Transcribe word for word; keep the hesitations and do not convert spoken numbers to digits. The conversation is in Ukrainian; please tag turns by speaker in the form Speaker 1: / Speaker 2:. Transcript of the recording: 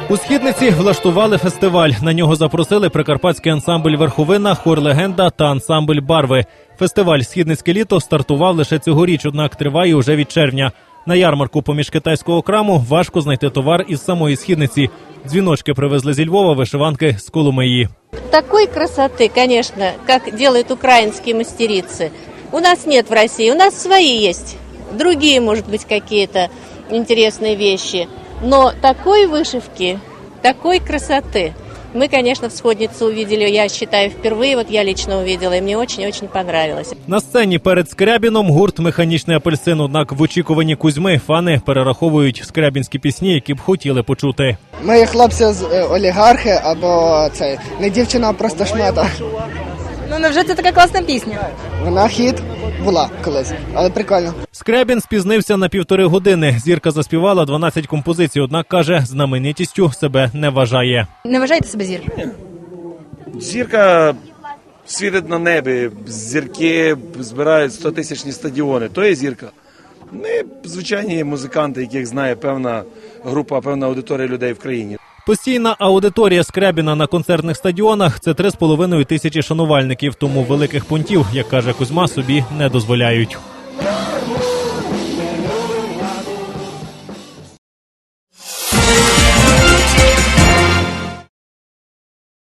Speaker 1: У Східниці влаштували фестиваль. На нього запросили прикарпатський ансамбль «Верховина», хор «Легенда» та ансамбль «Барви». Фестиваль «Східницьке літо» стартував лише цьогоріч, однак триває уже від червня. На ярмарку поміж китайського краму важко знайти товар із самої Східниці. Дзвіночки привезли зі Львова, вишиванки з Коломиї.
Speaker 2: Такой красоты, конечно, как делают украинские мастерицы, у нас нет в России. У нас свои есть, другие, может быть, какие-то интересные вещи. Но такой вышивки, такой красоты мы, конечно, в Сходнице увидели, я считаю, впервые. Вот я лично увидела, и мне очень-очень понравилось.
Speaker 1: На сцені перед Скрябіном гурт «Механічний апельсин». Однак в очікуванні Кузьми фани перераховують скрябінські пісні, які б хотіли почути.
Speaker 3: Ми хлопці з е, олігархи або це не дівчина, а просто шмата.
Speaker 4: Ну, невже це така класна пісня?
Speaker 3: Вона хіт була колись, але прикольно.
Speaker 1: Скрябін спізнився на півтори години. Зірка заспівала дванадцять композицій, однак, каже, знаменитістю себе не вважає.
Speaker 4: Не вважаєте себе зіркою?
Speaker 5: Зірка світить на небі, зірки збирають стотисячні стадіони. То є зірка. Ми звичайні музиканти, яких знає певна група, певна аудиторія людей в країні.
Speaker 1: Постійна аудиторія Скрябіна на концертних стадіонах – це три з половиною тисячі шанувальників. Тому великих пунктів, як каже Кузьма, собі не дозволяють.